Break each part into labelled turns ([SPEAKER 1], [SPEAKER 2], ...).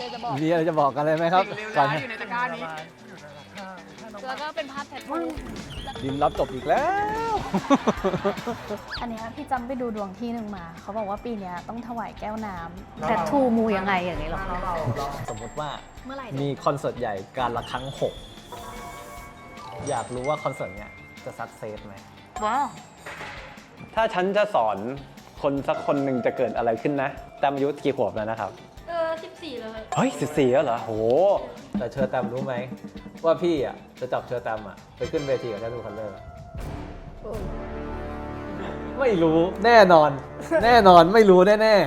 [SPEAKER 1] จะบอก
[SPEAKER 2] มีอะไรจะบอกกันเลยไหมครับก่อน
[SPEAKER 3] อยู่ในตะกร้านี้
[SPEAKER 1] แล้วก็เป็นภาพแทททู
[SPEAKER 2] ดินรับจบอีกแล้ว
[SPEAKER 1] อันนี้พี่จำไปดูดวงที่หนึ่งมาเขาบอกว่าปีนี้ต้องถวายแก้วน้ำแทททูมูยังไงอย่างนี้หรอ
[SPEAKER 2] สมมติว่า
[SPEAKER 1] เมื่อไหร่
[SPEAKER 2] มีคอนเสิร์ตใหญ่การละครั้ง 6 อยากรู้ว่าคอนเสิร์ตเนี้ยจะสักเซสไหม
[SPEAKER 1] ว้าว
[SPEAKER 2] ถ้าฉันจะสอนคนสักคนหนึ่งจะเกิดอะไรขึ้นนะแตมอายุกี่ขวบแล้วนะครับ
[SPEAKER 1] 14 เลย
[SPEAKER 2] เฮ้ย14แล้วเหรอโหแต่เชอร์แตมรู้ไหมว่าพี่อ่ะจะจับเชอร์แตมอ่ะไปขึ้นเวทีกับแททูคัลเลอร์ไม่รู้แน่นอน แน่นอนไม่รู้แน่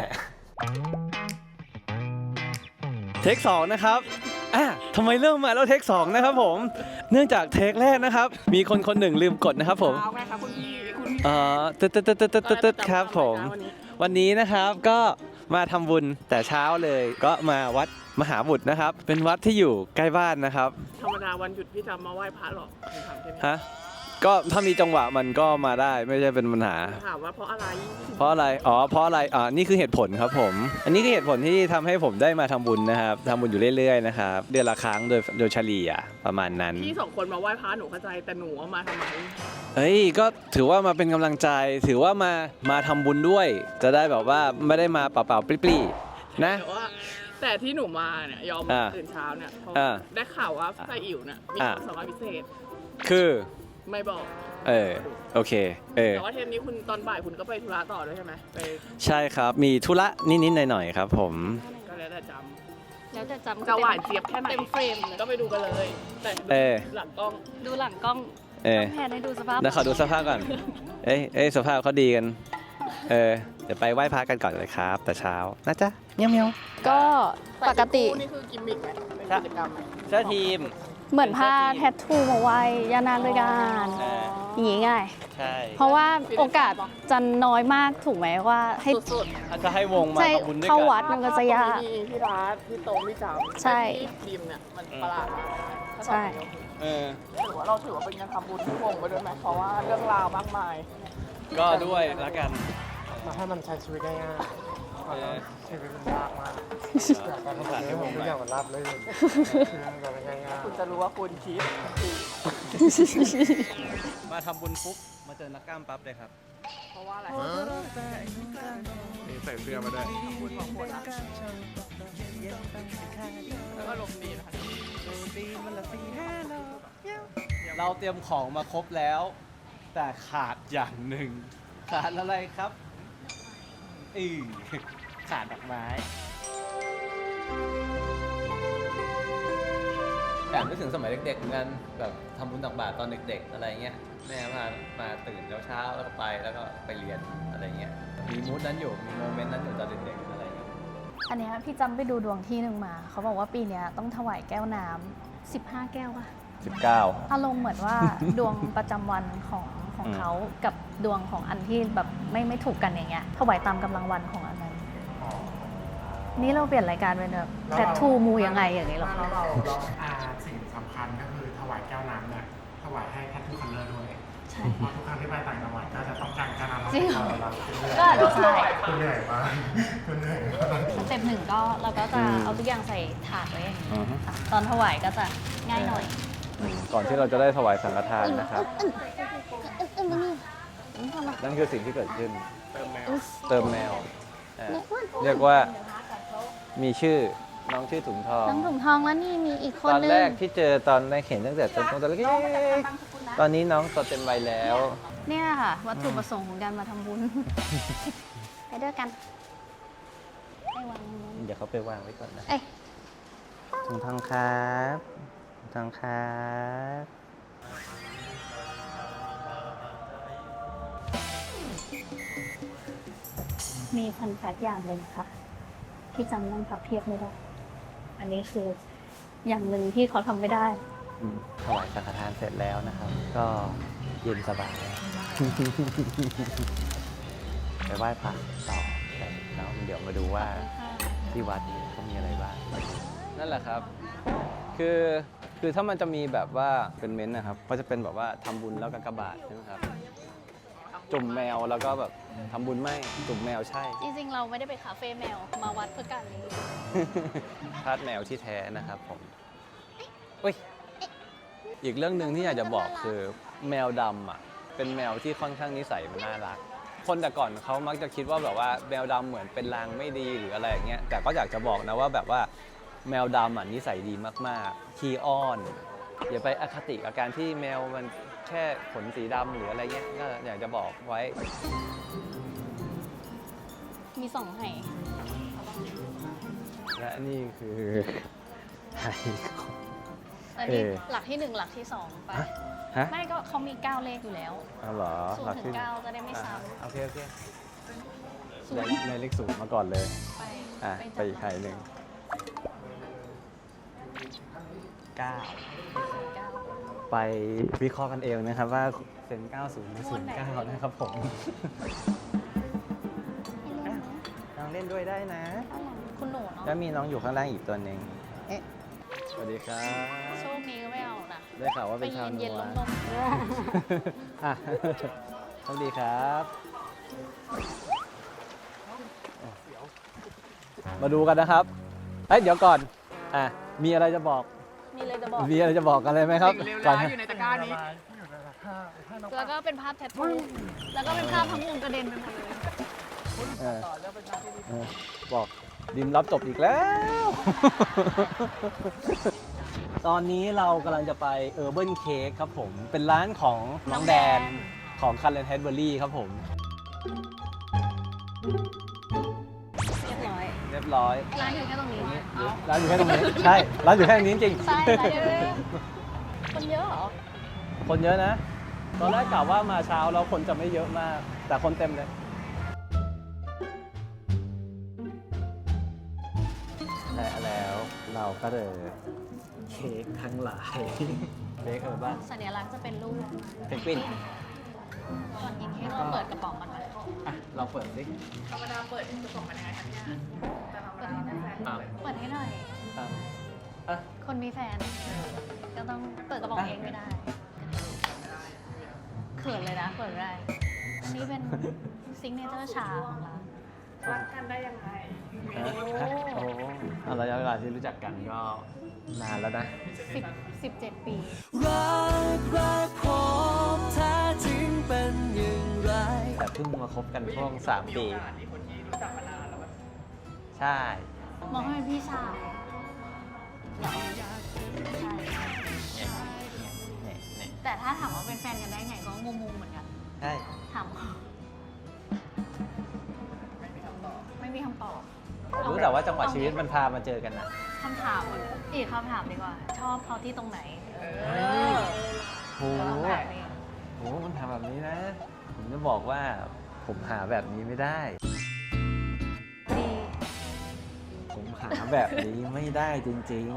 [SPEAKER 2] ๆเทค2นะครับทำไมเริ่มมาแล้วเทค2นะครับผมเนื่องจากเทคแรกนะครับมีคนหนึ่งลืมกดนะครับผม
[SPEAKER 3] เอาไงคะคุณพี่
[SPEAKER 2] ตึ๊ดครับผมวันนี้นะครับก็มาทำบุญแต่เช้าเลยก็มาวัดมหาบุตรนะครับเป็นวัดที่อยู่ใกล้บ้านนะครับ
[SPEAKER 3] ธรรมดาวันหยุดพี่จะมาไหว้พระหรอกถามแค่นี้
[SPEAKER 2] ฮะก็ถ้ามีจังหวะมันก็มาได้ไม่ใช่เป็นปัญหา
[SPEAKER 3] ถามว่าเพราะอะไร
[SPEAKER 2] เพราะอะไรเพราะอะไรนี่คือเหตุผลครับผมอันนี้คือเหตุผลที่ทำให้ผมได้มาทำบุญนะครับทำบุญอยู่เรื่อยๆนะครับเดือนละครั้งโดยเฉลี่ยประมาณนั้น
[SPEAKER 3] พี่2 คนมาไหว้พระหนูเข้าใจแต่หนูมาทำไม
[SPEAKER 2] เฮ้ยก็ถือว่ามาเป็นกำลังใจถือว่ามาทำบุญด้วยจะได้แบบว่าไม่ได้มาเปล่าๆปลี้ๆนะ
[SPEAKER 3] แต่ที่หนูมาเนี่ยยอมตื่นเช้าเนี่ยเพราะได้ข่าวว่าไส้อิ่วเนี่ยมีความสามารถพิเศษ
[SPEAKER 2] คือ
[SPEAKER 3] ไม่บอก
[SPEAKER 2] โอเค
[SPEAKER 3] แต่ว่าเทปนี้คุณตอนบ่ายคุณก็ไปธุระต่อด้วยใช่ไหม
[SPEAKER 2] ใช่ครับมีธุระนิดๆหน่อยๆครับผม
[SPEAKER 3] ก็แล้วแต่จ
[SPEAKER 1] ำ
[SPEAKER 3] จะหวานเจี๊ยบแค่ไหน
[SPEAKER 1] เต็มเฟรมเลย
[SPEAKER 3] ก็ไปดูกันเลยแต่หลังกล้อง
[SPEAKER 1] ดูหลังกล้องแพนให้ดูสภาพ
[SPEAKER 2] นะขอดูสภาพก่อนสภาพเขาดีกันเดี๋ยวไปไหว้พระกันก่อนเลยครับแต่เช้านะจ๊ะเมียว
[SPEAKER 1] ก็ปกติ
[SPEAKER 3] นี่คือกิมมิคไหมเป็นกิจกรรมไหม
[SPEAKER 2] เสื้อทีม
[SPEAKER 1] เหมือนผ้าแทททูมาไว้ยานานด้วยกันอย่างงี้ง่าย
[SPEAKER 2] ใช่
[SPEAKER 1] เพราะว่าโอกาสจะน้อยมากถูกไหมว่าให้
[SPEAKER 3] สุด
[SPEAKER 2] จะให้วงมาทำบุญด้วยกัน
[SPEAKER 1] เข้าวัดมันก็จะยาก
[SPEAKER 3] พี่รัฐพี่โตพี่จำ
[SPEAKER 1] ใช่
[SPEAKER 3] ทีมเนี่ยมันประหลาด
[SPEAKER 1] ใช่
[SPEAKER 3] เราถือว่าเป็นการทำบุญที่วงไปด้วยไหมเพราะว่าเรื่องราวมากมาย
[SPEAKER 2] ก็ด้วยละกัน
[SPEAKER 4] มาให้มันใช้ชีวิตง่ายๆชีวิตมันยากมากการทำงานให้ผมทุกอย่างมันรับเลยชีวิตมันง่ายๆ
[SPEAKER 3] คุณจะรู้ว่าคุณคิด
[SPEAKER 2] มาทำบุญปุ๊บมาเจอนักกล้ามปั๊บเลยครับ
[SPEAKER 3] เพราะว่าอะไร
[SPEAKER 4] มีใส่เสื้อมาด้วย
[SPEAKER 3] บุญของคนแล้วก็ลมดีนะคะ
[SPEAKER 2] เราเตรียมของมาครบแล้วแต่ขาดอย่างหนึ่งขาดอะไรครับขาดดอกไม้แต่นึกถึงสมัยเด็กๆเหมือนกันแบบทำบุญตักบาตรตอนเด็กๆอะไรเงี้ยแม่มาตื่นเช้าแล้วก็ไปแล้วก็ไปเรียนอะไรเงี้ยมีมูดนั้นอยู่มีโมเมนต์นั้นอยู่ตอนเด็กๆอะไรเงี้ย
[SPEAKER 1] อันนี้พี่จำไปดูดวงที่หนึ่งมาเขาบอกว่าปีนี้ต้องถวายแก้วน้ำ15 แก้วป่ะ
[SPEAKER 2] 19
[SPEAKER 1] อารมณ์เหมือนว่าดวงประจำวันของเขากับดวงของอันที่แบบไม่ถูกกันอย่างเงี้ยถวายตามกำลังวันของอันนั้นนี่เราเปลี่ยนรายการเป็นแบบแทททูมูยังไงอย่างนี้หรอ
[SPEAKER 4] เราสิ่งสำคัญก็คือถวายแก้วน้ำเนี่ยถวายให้แททูคัลเลอร์ด้วย
[SPEAKER 1] ใช่
[SPEAKER 4] เพราะทุกครั้งที่ไปต่างจังหวัดก็จะต้องการแก้วน้ำ
[SPEAKER 1] จริง
[SPEAKER 4] ก็
[SPEAKER 1] ใช่
[SPEAKER 4] คุณเหนื่อยมากคุณเหนื่อย
[SPEAKER 1] สเต็ปหนึ่งก็เราก็จะเอาทุกอย่างใส่ถาดไว้อย่างนี้ตอนถวายก็จะง่ายหน่อย
[SPEAKER 2] ก่อนที่เราจะได้ถวายสังฆทานนะครับนั่นคือสิ่งที่เกิดขึ้นเติมแมวเรียกว่ามีชื่อน้องชื่อถุงทอง
[SPEAKER 1] น้องถุงทองแล้วนี่มีอีกคนนึง
[SPEAKER 2] ตอนแรกที่เจอตอนในเห็นตั้งแต่ตอนเล็กตอนนี้น้องโตเต็มวัยแล้ว
[SPEAKER 1] เนี่ยค่ะวัตถุประสงค์ของการมาทำบุญไปด้วยกันไปวาง
[SPEAKER 2] เดี๋ยวเขาไปวางไว้ก่อนนะถุงทองครับถุงทองครับ
[SPEAKER 1] มีพันแฟกอย่างหนึ่งค่ะที่จำนั่งพับเพียบไม่ได้อันนี้คืออย่างหนึ่งที่เขาทำไม่ได้
[SPEAKER 2] ถวายสังฆทานเสร็จแล้วนะครับก็เย็นสบายไปไหว้พระต่อแล้วเดี๋ยวมาดูว่าที่วัดเขามีอะไรบ้างนั่นแหละครับคือถ้ามันจะมีแบบว่าเป็นเม้นต์นะครับก็จะเป็นแบบว่าทำบุญแล้วกากบาทใช่ไหมครับจุ่มแมวแล้วก็แบบทำบุญไม่จุ่มแมวใช่
[SPEAKER 1] จริงๆ เราไม่ได้ไปคาเฟ่แมว มาวัดเพื่อการนี้
[SPEAKER 2] ทาสแมวที่แท้นะครับผมอุ้ยอีกเรื่องหนึ่งที่อยากจะบอกคือแมวดำอ่ะเป็นแมวที่ค่อนข้างนิสัยมันน่ารักคนแต่ก่อนเขามักจะคิดว่าแบบว่าแมวดำเหมือนเป็นลางไม่ดีหรืออะไรอย่างเงี้ยแต่ก็อยากจะบอกนะว่าแบบว่าแมวดำอ่ะนิสัยดีมากๆขี้อ้อนอย่าไปอคติกับการที่แมวมันแค่ขนสีดำหรืออะไรเงี้ยก็อยากจะบอกไว้
[SPEAKER 1] มี2 ไห
[SPEAKER 2] และนี่คือไหของ
[SPEAKER 1] แต่นี่หลักที่ 1 หลักที่ 2 ไป
[SPEAKER 2] ฮะ
[SPEAKER 1] ไม่ก็เขามี 9 เลขอยู่แล้ว
[SPEAKER 2] อ๋อเหรอ
[SPEAKER 1] 0 ถึง 9 จะได้ไม่ซ้
[SPEAKER 2] โอเค
[SPEAKER 1] ำ
[SPEAKER 2] ในเลขศูนย์มาก่อนเลย
[SPEAKER 1] ไป
[SPEAKER 2] ไปอีกไข่หนึ่ง9
[SPEAKER 1] 9
[SPEAKER 2] ไปวิเคราะห์กันเองนะครับว่าเป็น 90 หรือ 09 นะครับผมลองเล่นด้วยได้นะ
[SPEAKER 1] คุณหนูเนาะ
[SPEAKER 2] แล้วมีน้องอยู่ข้างล่างอีกตัวหนึ่งสวัสดีครับ
[SPEAKER 1] โชคนี้ก็ไม่เอานะ
[SPEAKER 2] ได้ข่าวว่า
[SPEAKER 1] ไป
[SPEAKER 2] เป็นชาวนั
[SPEAKER 1] เย็น
[SPEAKER 2] ว
[SPEAKER 1] ๆลม
[SPEAKER 2] อ่ะสวัสดีครับ มาดูกันนะครับเอ้ยเดี๋ยวก่อนมีอะไรจะบอก
[SPEAKER 1] ๆมีเลยจะบอก
[SPEAKER 2] มีอะไรจะบอกกันเลยไหมครับ
[SPEAKER 3] สิ่งเลว
[SPEAKER 2] ก่อน
[SPEAKER 3] ร้ายอยู่ในตะกร้านี้
[SPEAKER 1] แล้วก็เป็นภาพแทททูแล้วก็เป็นภาพทั้งวงกระเด็นไปหมดเลย
[SPEAKER 2] บอกดิมรับจบอีกแล้ว ตอนนี้เรากำลังจะไป Urban Cake ครับผม เป็นร้านของน้องแดนของ Karen Hedberry ครับผม
[SPEAKER 1] เรียบร้อย
[SPEAKER 2] เรียบร้อย
[SPEAKER 1] ร้านอยู่แค่ตรงนี้
[SPEAKER 2] ร้านอยู่แค่ตรงนี้ ใช่ ร้านอยู่แค่ตรงนี้จริง
[SPEAKER 1] ใช่ร้านเดียวเลยคนเยอะเหรอ
[SPEAKER 2] คนเยอะนะ ตอนแรกกะว่ามาเช้าแล้วคนจะไม่เยอะมาก แต่คนเต็มเลยและแล้วเราก็เลยเค้กทั้งหลายเค้กบ้าง
[SPEAKER 1] สัญลักษณ์จะเป็นรูป
[SPEAKER 2] เพนกวิน
[SPEAKER 1] ก่อนกินเค้กเราเปิดกระป๋องมันไหม
[SPEAKER 2] อ่ะเราเปิดสิ
[SPEAKER 3] ธรรมดาเปิดกระป๋องมันยังไงคะเนี่ยแต่ธรรมดาไม่แฟน
[SPEAKER 2] อ้าว
[SPEAKER 1] เปิดให้หน่อย
[SPEAKER 2] อ้าวอ่ะ
[SPEAKER 1] คนมีแฟน ก็ต้องเปิดกระป๋องเองไม่ได้ เขินเลยนะ เปิดไม่ได้ อันนี้เป็นซิกเนเจอร์ชาของร้าน
[SPEAKER 3] รักกันได้ยังไง
[SPEAKER 2] โอ้ระยะเวลาที่รู้จักกันก็นานแล้วนะ
[SPEAKER 1] 17 ปี
[SPEAKER 5] รักผมแท้จริงเป็นอย่างไร
[SPEAKER 2] แต่เพิ่งมาคบกันช่วง3 ปี
[SPEAKER 3] มีคนที่รู้จักมานานแล้ว
[SPEAKER 2] ใช่
[SPEAKER 1] มองให้เป็นพี่ชายใช่
[SPEAKER 2] เนี่ย
[SPEAKER 1] แต่ถ้าถามว่าเป็นแฟนกันได้ไงก็งงๆเหมือนกัน
[SPEAKER 2] ใช่
[SPEAKER 1] ถามเขาไม่มีคำตอบ
[SPEAKER 2] รู้แต่ว่าจังหวะชีวิตมันพามาเจอกันนะ
[SPEAKER 1] คำถามอีกคำถามดีกว่า ชอบเขาที่ตรงไหน
[SPEAKER 2] โห
[SPEAKER 1] แล้วแบบนี้
[SPEAKER 2] โหมันถามแบบนี้นะ ผมจะบอกว่าผมหาแบบนี้ไม่ได้
[SPEAKER 1] ดี
[SPEAKER 2] ผมหาแบบนี้ไม่ได้จริง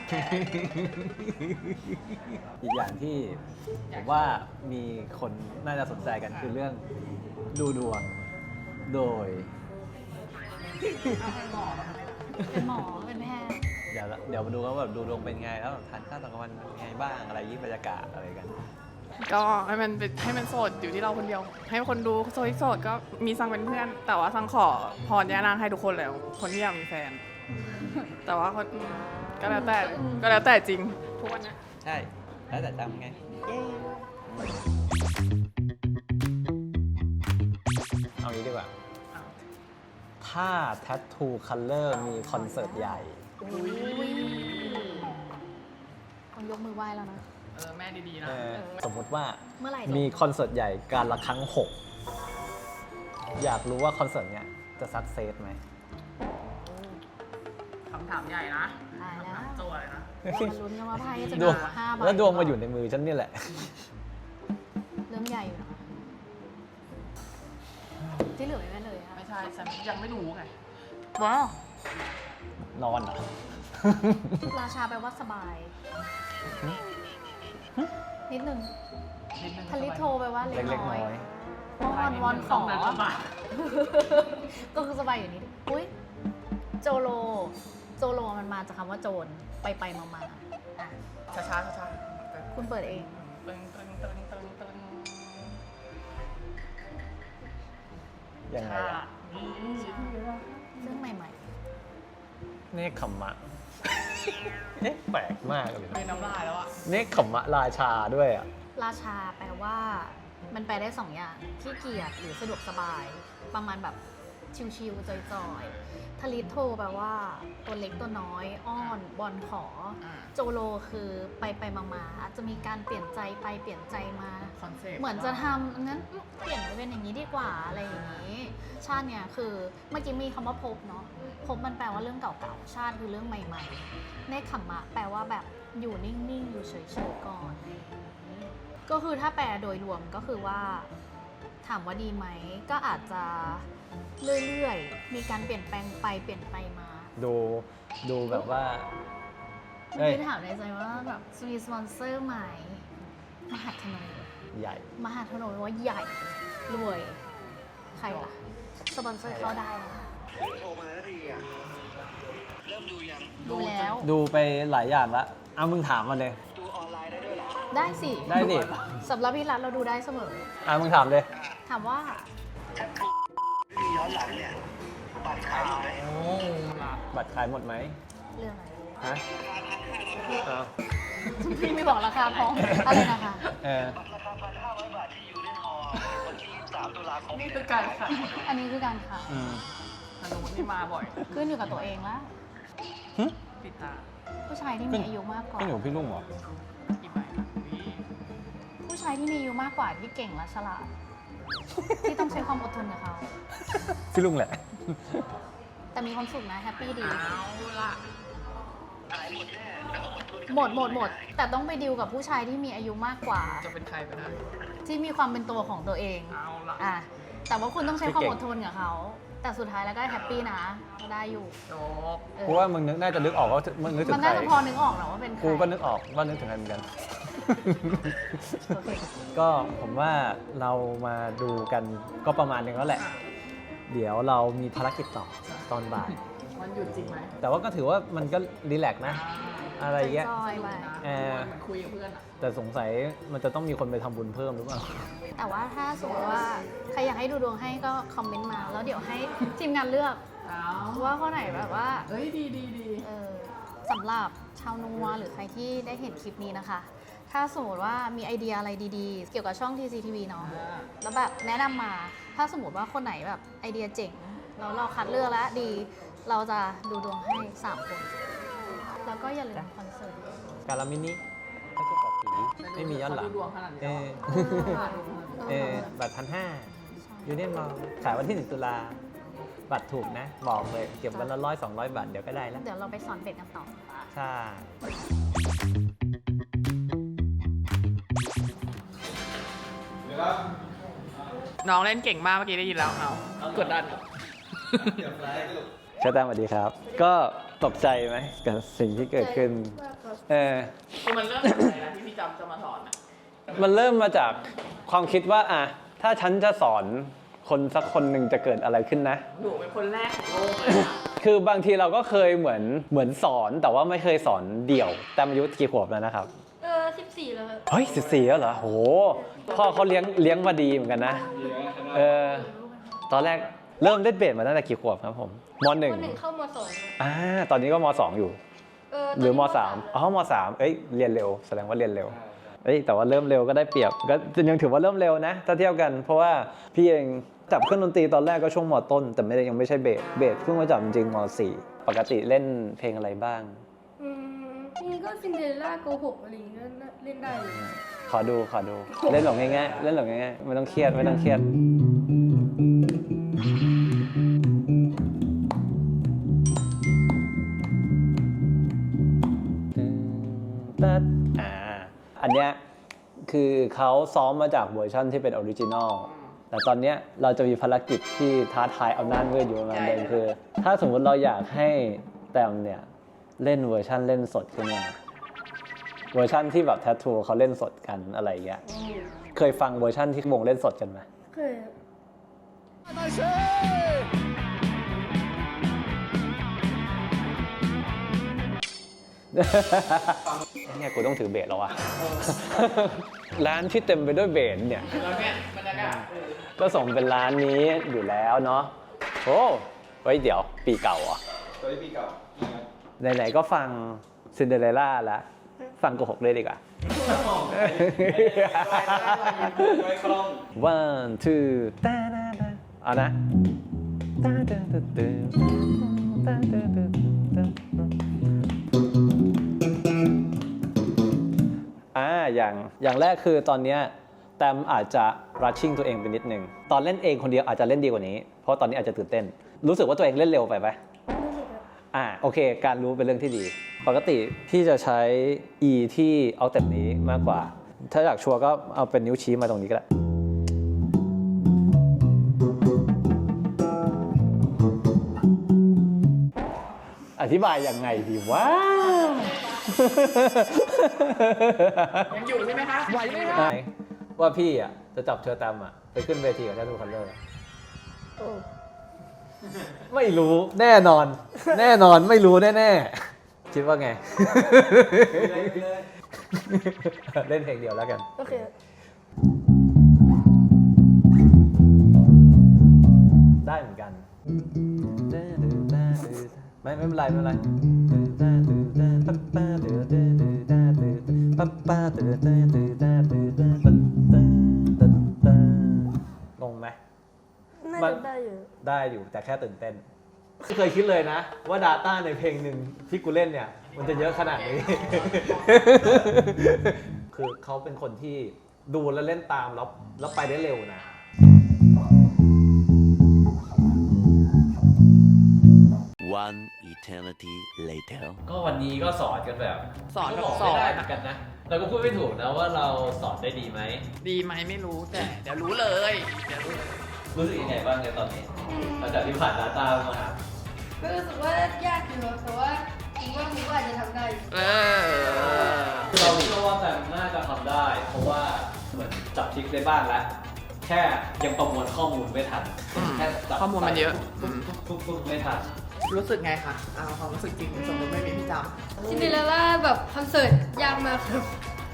[SPEAKER 2] ๆ อีกอย่างที่ผมว่ามีคนน่าจะสนใจกันคือเรื่องดูดวงโดย
[SPEAKER 1] เป็นหมอ เป็นแพทย์
[SPEAKER 2] เดี๋ยวมาดูกันว่าแบบดูดวงเป็นไงแล้วแบบทานข้าวตอนกลางวันเป็นไงบ้างอะไรยิ่งบรรยากาศอะไรกัน
[SPEAKER 3] ก็ให้มันโสดอยู่ที่เราคนเดียว ให้คนดูโสดก็มีซังเป็นเพื่อน แต่ว่าซังขอพรย่านางให้ทุกคนแล้ว คนที่อยากมีแฟน แต่ว่าคนก็แล้วแต่จริงทุกวันเนี้ย
[SPEAKER 2] ใช่ แล้วแต่จำไง เอางี้ดีกว่า ถ้า Tattoo Color มีคอนเสิร์ตใหญ่
[SPEAKER 1] ต้องยกมือไหว้แล้วนะ
[SPEAKER 3] แม่ดีๆนะ
[SPEAKER 2] สมมุติว่า
[SPEAKER 1] เมื่อไหร่
[SPEAKER 2] มีคอนเสิร์ตใหญ่การละครั้ง 6 อยากรู้ว่าคอนเสิร์ตเนี้ยจะสักเซสไหม
[SPEAKER 3] คำถามใหญ่นะ
[SPEAKER 1] ตายแล้ว
[SPEAKER 3] โจอะไรนะ
[SPEAKER 1] เรามาลุ้นกันว่าไพ่จะ
[SPEAKER 2] ด
[SPEAKER 1] มี
[SPEAKER 2] วง
[SPEAKER 1] 5 ใบ
[SPEAKER 2] แล้วดวงมาอยู่ในมือฉันนี่แหละ
[SPEAKER 1] เรื่องใหญ่อยู่นะที่เหลือไม่เลยค่ะ
[SPEAKER 3] ไม่ใช่ฉันยังไม่รู้ไง
[SPEAKER 1] ว้าวน
[SPEAKER 2] อนเหรอ
[SPEAKER 1] ราชาแปลว่าสบาย นิดนึงทลิโทแปลว่าเล็ก
[SPEAKER 2] เล็กๆ
[SPEAKER 1] น้
[SPEAKER 2] น้
[SPEAKER 1] อ
[SPEAKER 2] อย ย
[SPEAKER 1] วอนขอ ก็คือสบายอยู่นิดอุ้ยโจโลมันมาจากคำว่าโจรไปมาอ่ะ
[SPEAKER 3] ช้าๆช้า
[SPEAKER 1] คุณเปิดเอง
[SPEAKER 3] ๆตึง
[SPEAKER 2] ยังไงอะ
[SPEAKER 1] ซึ่งใหม่
[SPEAKER 2] เนคขมมะ เอ๊ะแปลกมากเลย
[SPEAKER 3] เป็นน้ำลายแล้วอะ
[SPEAKER 2] เนคขมมะราชาด้วยอ่ะ
[SPEAKER 1] ๆ ราชาแปลว่ามันแปลได้สองอย่างขี้เกียจหรือสะดวกสบาย ประมาณแบบชิวๆจอยๆทลิตโทแปลว่าตัวเล็กตัวน้อย อ้อนบอลขอ โจโลคือไปมาๆอาจจะมีการเปลี่ยนใจไปเปลี่ยนใจมา
[SPEAKER 3] คอนเซ็ปต์
[SPEAKER 1] เหมือนจะทำงั้นเปลี่ยนไปเป็นอย่างนี้ดีกว่าอะไรอย่างนี้ ชาติเนี่ยคือเมื่อกี้มีคำว่าภพเนาะภพมันแปลว่าเรื่องเก่าๆชาติคือเรื่องใหม่ๆเนคขมมะแปลว่าแบบอยู่นิ่งๆอยู่เฉยๆก่อนอะไรอย่างนี้ก็คือถ้าแปลโดยรวมก็คือว่าถามว่าดีไหมก็อาจจะเรื่อยๆมีการเปลี่ยนแปลงไปเปลี่ยนไปมา
[SPEAKER 2] ดูแบบว่า
[SPEAKER 1] เมื่อกี้ถามในใจว่าแบบมีสปอนเซอร์ไหมมหาธนู
[SPEAKER 2] ใหญ่
[SPEAKER 1] มหาธนูแปลว่าใหญ่รวยใครล่ะสปอนเซอร์เข้าได้นะ
[SPEAKER 4] โทรมาแล้วดีอ่ะ เริ่มดูยัง
[SPEAKER 1] ดูแล้ว
[SPEAKER 2] ดูไปหลายอย่างละเอามึงถามมาเลย
[SPEAKER 4] ดูออนไลน์ได้ด้วยเหรอ
[SPEAKER 1] ได้สิ
[SPEAKER 2] ได้ดิ
[SPEAKER 1] สำหรับพี่รัฐเราดูได้เสมอ
[SPEAKER 2] มึงถามเลย
[SPEAKER 1] ถามว่า
[SPEAKER 4] มีย้อนหลังเนี่ยบัตรขายหมดไหม
[SPEAKER 3] โอ้ละ
[SPEAKER 2] บัตรขายหมดไหม
[SPEAKER 1] เรื่องอะไร
[SPEAKER 2] ฮะเอา
[SPEAKER 1] พี่ไม่บอกราคาพร้อมอะไรนะคะ
[SPEAKER 4] ราคา1,500 บาทที่ยูเนียนฮอลล์วันที่23 ตุลาคม
[SPEAKER 3] นี่คือการขาย
[SPEAKER 1] อันนี้คือการขาย
[SPEAKER 2] อืม
[SPEAKER 3] ธนูนี่มาบ่อย
[SPEAKER 1] ขึ้นอยู่กับตัวเองแล้ว
[SPEAKER 3] ปิดตา
[SPEAKER 1] ผู้ชายที่มีอายุมากกว่า
[SPEAKER 2] พี่หนูพี่ลุงเหรอ
[SPEAKER 3] กี่ใบนะวิ
[SPEAKER 1] ผู้ชายที่มีอายุมากกว่าที่เก่งและฉลาด ที่ต้องใช้ความอดทนกับเขา
[SPEAKER 2] พี่ลุงแหละ
[SPEAKER 1] แต่มีความสุขนะแฮปปี้ดี
[SPEAKER 3] เอาละ
[SPEAKER 4] ขายหมดแน่แล้วก็อดทน
[SPEAKER 1] หมด แต่ต้องไปดิวกับผู้ชายที่มีอายุมากกว่า
[SPEAKER 3] จะเป็นใครไปได้
[SPEAKER 1] ที่มีความเป็นตัวของตัวเอง
[SPEAKER 3] เอาละ
[SPEAKER 1] อ่ะแต่ว่าคุณต้องใช้ความ
[SPEAKER 2] ที่เก่
[SPEAKER 1] อง ดทนกับเขา แต่สุดท้ายแล้วก็แฮปปี้นะได้อยู่
[SPEAKER 3] จบ
[SPEAKER 1] เออ
[SPEAKER 2] กูว่ามึงน่าจะนึกออกว่ามึงนึกถึ
[SPEAKER 1] มั
[SPEAKER 2] ง
[SPEAKER 1] น
[SPEAKER 2] ใคร
[SPEAKER 1] น่าจะพอนึกออกนะว่าเป็นใคร
[SPEAKER 2] กูก็นึกออกว่านึกถึงใครเหมือนกัน
[SPEAKER 1] โอเค
[SPEAKER 2] ก็ผมว่าเรามาดูกันก็ประมาณนึงแล้วแหละ เดี๋ยวเรามีภารกิจต่อตอนบ่าย
[SPEAKER 3] มันหยุดจริงไหม
[SPEAKER 2] แต่ว่าก็ถือว่ามันก็รีแลกซ์นะ อะไรเงี้ย
[SPEAKER 1] จอยๆไป
[SPEAKER 2] เออ
[SPEAKER 3] เหมือนคุยกับเพื่อนอะ
[SPEAKER 2] แต่สงสัยมันจะต้องมีคนไปทำบุญเพิ่มหรือเปล่า
[SPEAKER 1] แต่ว่าถ้าสมมติว่าใครอยากให้ดูดวงให้ก็คอมเมนต์มา แล้วเดี๋ยวให้ทีมงานเลือก
[SPEAKER 3] เอา
[SPEAKER 1] ว่าข้อไหนแบบว่า
[SPEAKER 3] เฮ้ยดี
[SPEAKER 1] เออสำหรับชาวนัวหรือใครที่ได้เห็นคลิปนี้นะคะ ถ้าสมมติว่ามีไอเดียอะไรดีๆ เกี่ยวกับช่อง TCTV เนาะ แล้วแบบแนะนำมา ถ้าสมมติว่าคนไหนแบบไอเดียเจ๋ง แล้วเราคัดเลือกแล้วดี เราจะดูดวงให้ 3 คน แล้วก็อย่าลืมคอนเสิร์ต
[SPEAKER 2] การามินิไม่ใช่ปอบผีไม่มีย้อนหลัง
[SPEAKER 3] เขาดูดวงขนาดนี้
[SPEAKER 2] เอ
[SPEAKER 3] แล้ว
[SPEAKER 2] อ บัตร1,500ยูเนียนมอลขายวันที่ 1 ตุลาบัตรถูกนะ บอกเลย เก็บวันละ100-200 บาท เดี๋ยวก็ได้แล้ว
[SPEAKER 1] เดี๋ยวเราไปสอนเบ็ดกันต่อ
[SPEAKER 2] ใช่
[SPEAKER 3] น้องเล่นเก่งมากเมื่อกี้ได้ยินแล้วเอากดดัน
[SPEAKER 2] เชาแตมสวัสดีครับ ก็ตกใจไหมกับสิ่งที่เกิดขึ้น
[SPEAKER 3] คือมันเริ่มจากอะไรนะที่พี่จำจะมาสอนอะ
[SPEAKER 2] มันเริ่มมาจากความคิดว่าอ่ะถ้าฉันจะสอนคนสักคนหนึ่งจะเกิดอะไรขึ้นนะ
[SPEAKER 3] หนูเป็นคนแรกของโลกเลยนะ
[SPEAKER 2] คือบางทีเราก็เคยเหมือนสอนแต่ว่าไม่เคยสอนเดี่ยว แต่อายุกี่ขวบแล้วนะครับ
[SPEAKER 1] 14 แล้ว
[SPEAKER 2] เฮ้ย14แล้วเหรอโหพ่อเขาเลี้ยงมาดีเหมือนกันนะตอนแรกเริ่มเล่นเบสมาตั้งแต่กี่ขวบครับผมม .1
[SPEAKER 1] เข้าม2
[SPEAKER 2] ตอนนี้ก็ม .2 อยู่หรือม .3 อ๋อม .3 เอ้ยเรียนเร็วแสดงว่าเรียนเร็วเอ้ยแต่ว่าเริ่มเร็วก็ได้เปรียบก็ยังถือว่าเริ่มเร็วนะถ้าเทียบกันเพราะว่าพี่เองจับเครื่องดนตรีตอนแรกก็ช่วงมต้นแต่ยังไม่ใช่เบสเพิ่งมาจับจริงม .4 ปกติเล่นเพลงอะไรบ้าง
[SPEAKER 6] นี่ก็ซินเดอเรลล่าโกหกอะไรอย่างเงี้ยก็เล่นได้เลย
[SPEAKER 2] ขอดูเล่นหลงง่ายๆเล่นหลงง่ายๆไม่ต้องเครียดอันเนี้ยคือเขาซ้อมมาจากเวอร์ชันที่เป็นออริจินอลแต่ตอนเนี้ยเราจะมีภารกิจที่ท้าทายอำนาจมืดอยู่ประมาณนึงคือ ถ้าสมมุติเราอยากให้แตมเนี่ยเล่นเวอร์ชันเล่นสดขึ้นมาเวอร์ชันที่แบบแทททูเขาเล่นสดกันอะไรอย่างเงี้ยเคยฟังเวอร์ชันที่วงเล่นสดกันไหม
[SPEAKER 6] เคย
[SPEAKER 2] ตเนี่ยกูต้องถือเบสแล้ววะ ร้านที่เต็มไปด้วยเบสเนี่ย
[SPEAKER 3] แล้วเนี่ยบรรยากาศ
[SPEAKER 2] ก็ส่งเป็นร้านนี้อยู่แล้วเนาะโอ้เฮ้ยเดี๋ยวปีเก่าเหรอ่ะปีเก่าไหนๆก็ฟังซินเดอเรลล่าแล้วฟังโกหกเลยดีกว่า one two ตาดาดาเอานะตาดาดาดาตาดาดาดาอย่างแรกคือตอนเนี้ยแตมอาจจะ rushing ตัวเองไปนิดนึงตอนเล่นเองคนเดียวอาจจะเล่นดีกว่านี้เพราะตอนนี้อาจจะตื่นเต้นรู้สึกว่าตัวเองเล่นเร็วไปไหมโอเคการรู้เป็นเรื่องที่ดีปกติพี่จะใช้ E ที่เอาแต่นี้มากกว่าถ้าอยากชัวร์ก็เอาเป็นนิ้วชี้มาตรงนี้ก็ได้อธิบายยังไงดีวะ
[SPEAKER 3] ยังอยู่ใช่ไหมคะไหวไหมคะ
[SPEAKER 2] ว่าพี่อ่ะจะจับเชอร์แตมอ่ะไปขึ้นเวทีกับแททูคัลเลอร์ไม่รู้แน่นอนไม่รู้แน่ๆคิดว่าไง เล่นเพลงเดียวแล้วกัน
[SPEAKER 6] โอเค
[SPEAKER 2] ได้เหมือนกันไม่เป็นไรงงไหม
[SPEAKER 6] น่าจะได้อยู่
[SPEAKER 2] ได้อยู่แต่แค่ตื่นเต้นไม่เคยคิดเลยนะว่า Data ในเพลงหนึ่งที่กูเล่นเนี่ยมันจะเยอะขนาดนี้ คือเขาเป็นคนที่ดูแล้วเล่นตามแล้วไปได้เร็วนะ
[SPEAKER 5] One eternity later
[SPEAKER 2] ก็วันนี้ก็สอนกันแบบ
[SPEAKER 3] สอน
[SPEAKER 2] ก็
[SPEAKER 3] แบบ
[SPEAKER 2] บอก
[SPEAKER 3] สอ
[SPEAKER 2] ไม่ได้
[SPEAKER 3] น
[SPEAKER 2] เหมือนกันนะเราก็พูดไม่ถูกนะว่าเราสอนได้ดีไหม
[SPEAKER 3] ดีไหมไม่รู้แต่เดี๋ยวรู้เลยเดี๋ยวรู้เลย
[SPEAKER 2] รู้สึกยังไงบ้างในตอนนี้หลังจากที่ผ่าน Data มา
[SPEAKER 6] ก็รู้สึกว่ายากอยู่ครับแต่ว่าคิดว่ามุกอาจจะทำได้อยู่
[SPEAKER 2] เราเชื่อว่าแบบน่าจะทำได้ เพราะว่าเหมือนจับทริกได้บ้างแล้ว แค่ยังประมวลข้อมูลไม่ทันแค่จับ
[SPEAKER 3] ข้อมูลมันเยอะ
[SPEAKER 2] ปุ๊บไม่ทัน
[SPEAKER 3] รู้สึกไงคะเอาความรู้สึกจริงสมมติไม่มีพี่จ
[SPEAKER 6] ซินเดอเรลล่าแบบคอนเสิร์ตยากมากครับ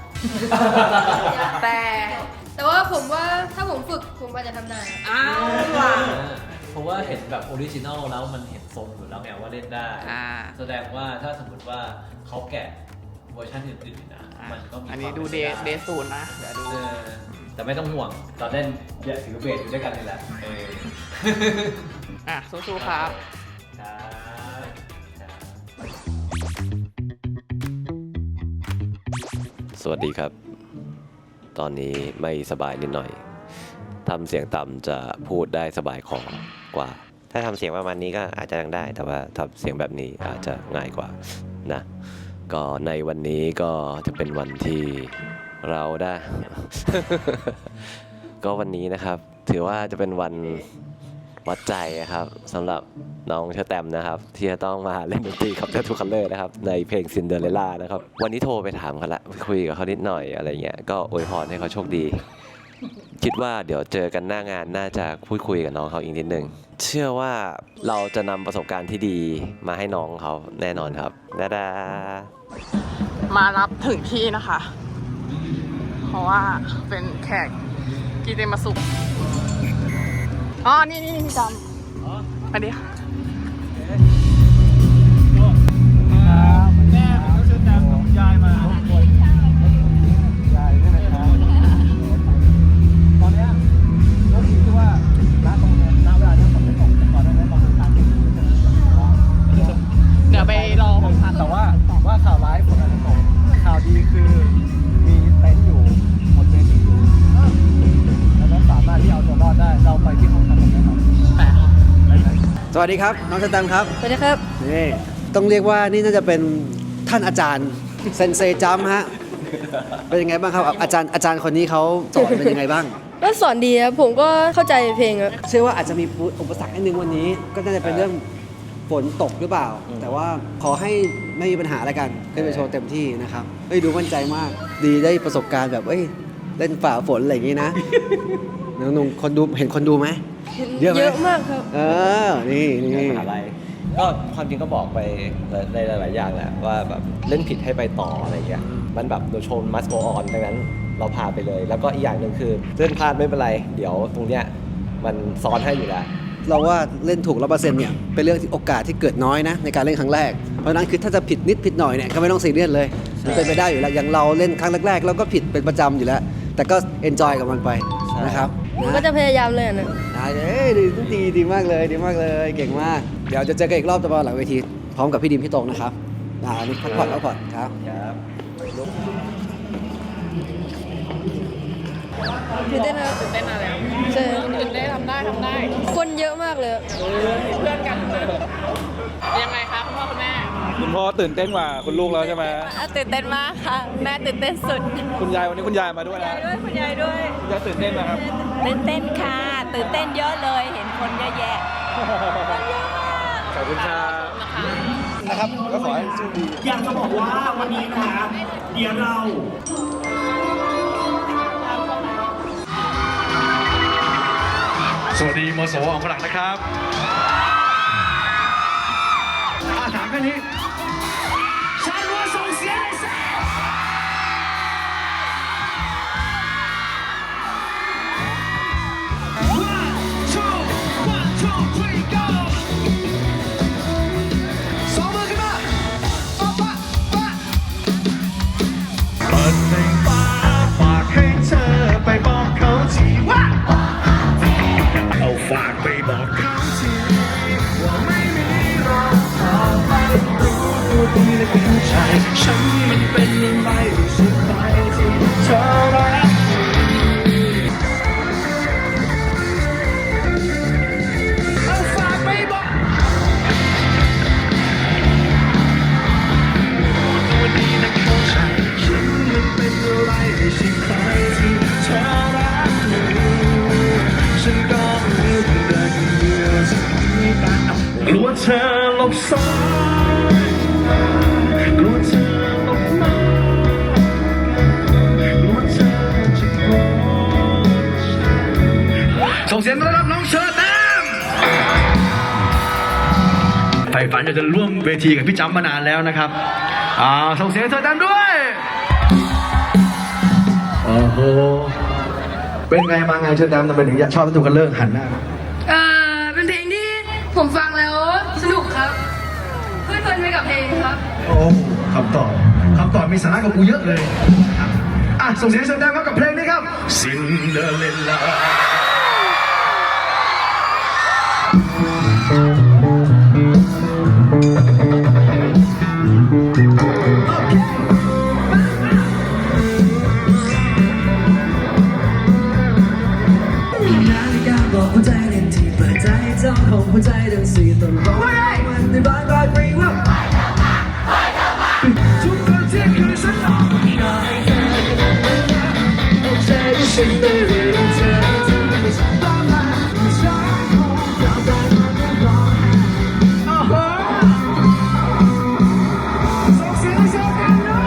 [SPEAKER 3] ำแต่
[SPEAKER 6] แต่ว่าผมว่าถ้าผมฝึกผมอาจจะทำได้
[SPEAKER 3] อ้าวว่ะ
[SPEAKER 2] เพราะว่าเห็นแบบออริจินอลแล้วมันเห็นทรงอยู่แล้วไงว่าเล่นได้ แสดงว่าถ้าสมมติว่าเขาแกะเวอร์ชันอื่นๆนะมันก็มี
[SPEAKER 3] อันนี้
[SPEAKER 2] ความ
[SPEAKER 3] ดู
[SPEAKER 2] ป็
[SPEAKER 3] เด
[SPEAKER 2] ไป
[SPEAKER 3] ศูนย์นะเดี๋ยวดู
[SPEAKER 2] แต่ไม่ต้องห่วงตอนเล่นอย่าถือเบสอยู่ด้วยกันนี่แหละ
[SPEAKER 3] อ่ะสู้ๆครับ
[SPEAKER 7] สวัสดีครับ ตอนนี้ไม่สบายนิดหน่อย ทำเสียงต่ำจะพูดได้สบายคอกว่า ถ้าทำเสียงประมาณนี้ก็อาจจะยังได้ แต่ว่าทำเสียงแบบนี้อาจจะง่ายกว่านะ ก็ในวันนี้ก็จะเป็นวันที่เราได้ ก็วันนี้นะครับ ถือว่าจะเป็นวันวัดใจนะครับสำหรับน้องเชอร์แตมนะครับที่จะต้องมาเล่นดนตรีกับแททูคัลเลอร์นะครับในเพลงซินเดอเรลล่านะครับวันนี้โทรไปถามเขาละคุยกับเขานิดหน่อยอะไรเงี้ยก็อวยพรให้เขาโชคดี คิดว่าเดี๋ยวเจอกันหน้างานน่าจะพูดคุยกับน้องเขาอีกนิดนึงเชื่อว่าเราจะนำประสบการณ์ที่ดีมาให้น้องเขาแน่นอนครับดาดา
[SPEAKER 3] มารับถึงที่นะคะ เพราะว่าเป็นแขกกีเตมาสุกอ๋อ นี่พี่จำสวัสดีค่ะ
[SPEAKER 2] แม่ผมก็ชื่อแตมกับยายมายายนี่นะครับตอนนี้ก็คิดว่าณตรงนี้ณเวลานี้ฝนไม่ตกแต่ก่อนหน้านี้ตอนกลางคืน
[SPEAKER 3] เดี๋ยวไปรอของพัก
[SPEAKER 2] แต่ว่าข่าวร้ายฝนอาจจะตกข่าวดีคือมีเต็นท์อยู่หมดเวทีอยู่แล้วนั้นสามารถที่เอาตัวรอดได้เราไปที่ห้องทำกันได้ครับ
[SPEAKER 8] สวัสดีครับ น้องสแตมป์ครับ
[SPEAKER 6] สวัสดีครับ
[SPEAKER 8] นี่ต้องเรียกว่านี่น่าจะเป็นท่านอาจารย์เซนเซจัมป์ฮะเป็นยังไงบ้างครับอาจารย์คนนี้เขาสอนเป็นยังไงบ้าง
[SPEAKER 6] ก็สอนดีครับผมก็เข้าใจเพลงครับ
[SPEAKER 8] เชื่อว่าอาจจะมีอุปสรรคนิดนึงวันนี้ ก็น่าจะเป็นเรื่องฝนตกหรือเปล่า แต่ว่าขอให้ไม่มีปัญหาอะไรกันขึ้นไปโชว์เต็มที่นะครับเฮ้ยดูมั่นใจมาก ดีได้ประสบการณ์แบบเล่นฝ่าฝนอะไรอย่างนี้นะน้องๆคนดูเห็นคนดูไหม เยอะไหม
[SPEAKER 6] เยอะมากครับ
[SPEAKER 8] นี่
[SPEAKER 2] มหาลัย
[SPEAKER 7] ก็ความจริงก็บอกไปในหลายๆอย่างแหละว่าแบบเล่นผิดให้ไปต่ออะไรเงี้ยมันแบบโดยโชว์ must go on ดังนั้นเราพาไปเลย แล้วก็อีกอย่างหนึ่งคือเล่นพลาดไม่เป็นไรเดี๋ยวตรงเนี้ยมันซ้อนให้อยู่แล้ว
[SPEAKER 8] เราว่าเล่นถูก100%เนี่ยเป็นเรื่องที่โอกาสที่เกิดน้อยนะในการเล่นครั้งแรกเพราะฉะนั้นคือถ้าจะผิดนิดผิดหน่อยเนี่ยก็ไม่ต้องซีเรียสเลยมันเป็นไปได้อยู่แล้วอย่างเราเล่นครั้งแรกๆเราก็ผิดเป็นประจำอยู่แล้ว แต่ก็เอนจอยกับมันไปนะครับ
[SPEAKER 6] หนูก็จะพยายามเลยนะ
[SPEAKER 8] ดีมากเลยดีมากเลยเก่งมากเดี๋ยวจะเจอกันอีกรอบตอนหลังเวทีพร้อมกับพี่ดิมพี่ตรงนะครับอันนี้พักผ่อนครับ
[SPEAKER 6] ตื่นเต้นนะ
[SPEAKER 3] ตื่นเต้นมาแล้ว
[SPEAKER 6] ใช่
[SPEAKER 3] ตื่นได้ทำได้
[SPEAKER 6] คนเยอะมากเลย
[SPEAKER 3] เพื่อนกันยังไงคะคุณพ่อคุณแม่
[SPEAKER 9] คุณพ่อตื่นเต้นกว่าคุณลูกแล้วใช่ไหม
[SPEAKER 10] ตื่นเต้นมากค่ะ แม่ตื่นเต้นสุด
[SPEAKER 9] คุณยายวันนี้คุณยายมาด้วยนะ
[SPEAKER 10] คุณยายด้วย
[SPEAKER 9] คุณยายตื่นเต้นนะครับ
[SPEAKER 10] ตื่นเต้นค่ะ ตื่นเต้นเยอะเลย เห็นคนเยอะแยะ
[SPEAKER 9] ขอบคุณครับ
[SPEAKER 8] นะครับก็ขอให้สู้ดี
[SPEAKER 11] อยากจะบอกว่าวันนี้นะเดี๋ยวเรา
[SPEAKER 12] สวัสดีมสวของฝรั่งนะครับถามแค่นี้
[SPEAKER 11] ชาลัวส่งเสียงเลยสิ One, two, three, go สองมือขึ้นมาปะเปิดเพลงฟ้าฝากให้เธอไปบอกเขาทีว่าเอาฝากไปบอกเขาทีว่าไม่มีรอต่อไปรู้ตัวดีและเป็นผู้ชายฉันมันเป็นอะไรสุดท้ายที่เธอรักเอาฝากไปบอกตัวดีนะเข้าใจฉันมันเป็นอะไรสุดท้ายที่เธอรักฉันก็รู้ได้เดียวจะมีแต่กลัวเธอหลบซ่อนกลัวเธอหลบมากลัวเธอจะโกรธส่งเสียงต้อนรับน้องเชอร์แตมใฝ่ฝันอยากจะร่วมเวทีกับพี่จำมานานแล้วนะครับส่งเสียงเชอร์แตมด้วยโอ้โหเป็นไงมาไงเชอร์แตมทำไมถึงชอบทุกคนเลิกหันหน้า
[SPEAKER 6] เป็นเพลงที่ผมฟังแล้วสนุกครับเพลิดเพลินไปกับเพลงครับ
[SPEAKER 12] โอ้คำตอบมีสาระกับกูเยอะเลยส่งเสียงเชิญดังครับกับเพลงนี้ครับ Cinderella
[SPEAKER 5] นาฬิกาบอกหัวใจเล่นที่เปิดใจเจ้าของหัวใจทั้งสี่ต้นร้อยวันในบ้านรอยปรีว่าทุกคนที่เคยฉันออกมาให้เธอเอาใจที่ฉันได้เรียนเธอไม่ใช่ต้องมาไม่ใช่ของเราได้มาไม่รอส่งเสียงเสียงกันด้วย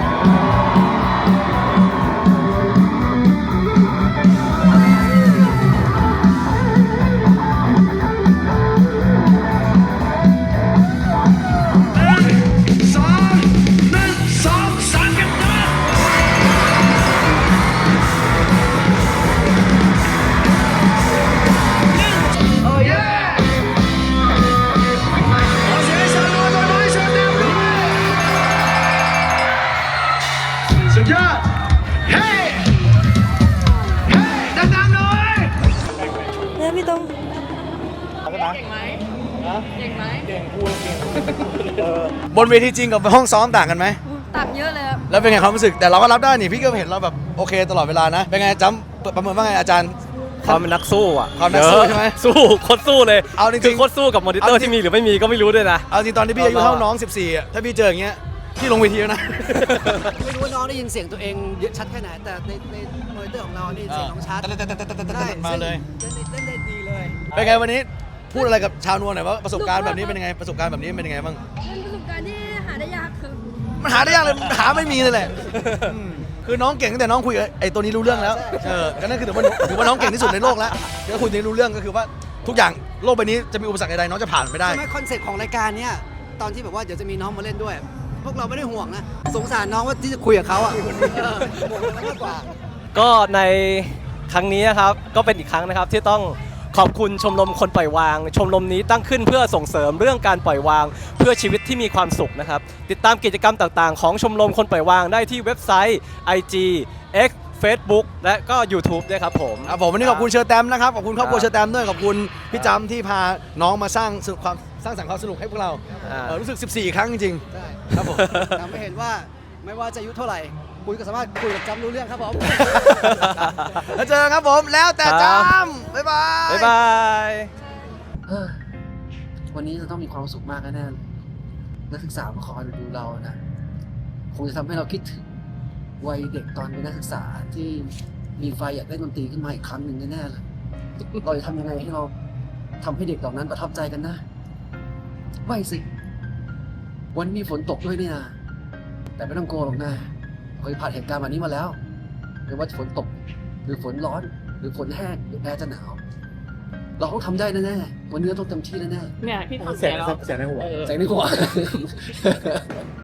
[SPEAKER 12] สุดยอดเฮ้ดังๆหน่อย
[SPEAKER 6] แล้วพี่ต้อง
[SPEAKER 3] เก่งไหมเก่งไหม
[SPEAKER 12] บนเวทีจริงกับห้องซ้อมต่างกันไหม
[SPEAKER 6] ต่างเยอะเลยครับ
[SPEAKER 12] แล้วเป็นไงความรู้สึกแต่เราก็รับได้นี่พี่ก็เห็นเราแบบโอเคตลอดเวลานะเป็นไงจำประเมินว่าไงอาจารย์
[SPEAKER 2] ความเป็นนักสู้อ่ะ
[SPEAKER 12] ความนักสู้ใช่ไหม
[SPEAKER 2] สู้โคตรสู้เลย
[SPEAKER 12] เอาจริงๆ
[SPEAKER 2] คือโคตรสู้กับมอนิเตอร์ที่มีหรือไม่มีก็ไม่รู้ด้วยนะ
[SPEAKER 12] เอาจริงตอนที่พี่อายุเท่าน้อง 14อ่ะถ้าพี่เจออย่างเงี้ยพี่ลงเวทีแล้วนะ
[SPEAKER 8] ไม่รู้ว่าน้องได้ยินเสียงตัวเองเยอะชัดแค่ไหนแต่ในมอนิเตอร์ของเรานี่เสียงน้องชัดใช่
[SPEAKER 12] มาเลย
[SPEAKER 8] เล่นได้ดีเลย
[SPEAKER 12] เป็นไงวันนี้พูดอะไรกับชาวนวลหน่อยว่าประสบการณ์แบบนี้เป็นยังไงประสบการณ์แบบนี้เป็นยังไงบ้าง
[SPEAKER 6] เป็นประสบการณ์ที่หาได้ยากคือ
[SPEAKER 12] มันหาได้ยากเลยหาไม่มีเลยแหละคือน้องเก่งตั้งแต่น้องคุยกับไอ้ตัวนี้รู้เรื่องแล้วก็นั่นคือถือว่าน้องเก่งที่สุดในโลกแล้วเดี๋ยวคุยนี้รู้เรื่องก็คือว่าทุกอย่าง
[SPEAKER 13] โลกใบนี้จะมีอุปสรรคใดๆน้องจะผ่านไปได้
[SPEAKER 8] ใช่ไหมคอนเซ็ปต์ของรายการเนี้ยตอนที่แบบว่าเดี๋ยวจะมีน้องมาเล่นด้วย พวกเราไม่ได้ห่วงนะ สงสารน้องว่าที่จะคุยกับเขาอ่ะห่วงเรามากกว่า
[SPEAKER 14] ก็ในครั้งนี้นะครับก็เป็นอีกครั้งนะครับที่ต้องขอบคุณชมรมคนปล่อยวาง ชมรมนี้ตั้งขึ้นเพื่อส่งเสริมเรื่องการปล่อยวาง เพื่อชีวิตที่มีความสุขนะครับติดตามกิจกรรมต่างๆของชมรมคนปล่อยวางได้ที่เว็บไซต์ IG X Facebook และก็ YouTube ด้วยครับผม
[SPEAKER 13] ครับผมวันนี้ขอบคุณเชอร์แตมนะครับขอบคุณครอบครัวเชอร์แตมด้วยขอบคุณพี่จำที่พาน้องมาสร้างสรรค์ความสนุกให้พวกเรารู้สึก 14 ครั้งจริง
[SPEAKER 8] ใช่
[SPEAKER 13] ๆครับผม
[SPEAKER 8] ทำให้เห็นว่าไม่ว่าจะอายุเท่าไหร่คุณก็สามารถคุยกับจำรู้เรื่องครับผม
[SPEAKER 13] แล้วเจอกันครับผมแล้วแต่จำบ๊ายบาย
[SPEAKER 14] บ๊ายบาย
[SPEAKER 8] วันนี้จะต้องมีความสุขมากแน่ๆเลยนักศึกษามาคอยดูเรานะคงจะทำให้เราคิดถึงวัยเด็กตอนเป็นนักศึกษาที่มีไฟอยากเล่นดนตรีขึ้นมาอีกครั้งหนึ่งแน่ๆเลยเราจะทำยังไงให้เราทำให้เด็กเหล่านั้นประทับใจกันนะไม่สิวันนี้มีฝนตกด้วยนี่นะแต่ไม่ต้องกลัวหรอกนะเคยผ่านเหตุการณ์แบบนี้มาแล้วไม่ว่าจะฝนตกหรือฝนร้อนหรือฝนแห้งหรือแอร์จะหนาวเราต้องทำได้แน่ๆวันนี้เราต้องเต็มที่แน่ๆ
[SPEAKER 3] เนี่ยพี่ทำ
[SPEAKER 4] เสียงในหัว
[SPEAKER 8] แสงในหัว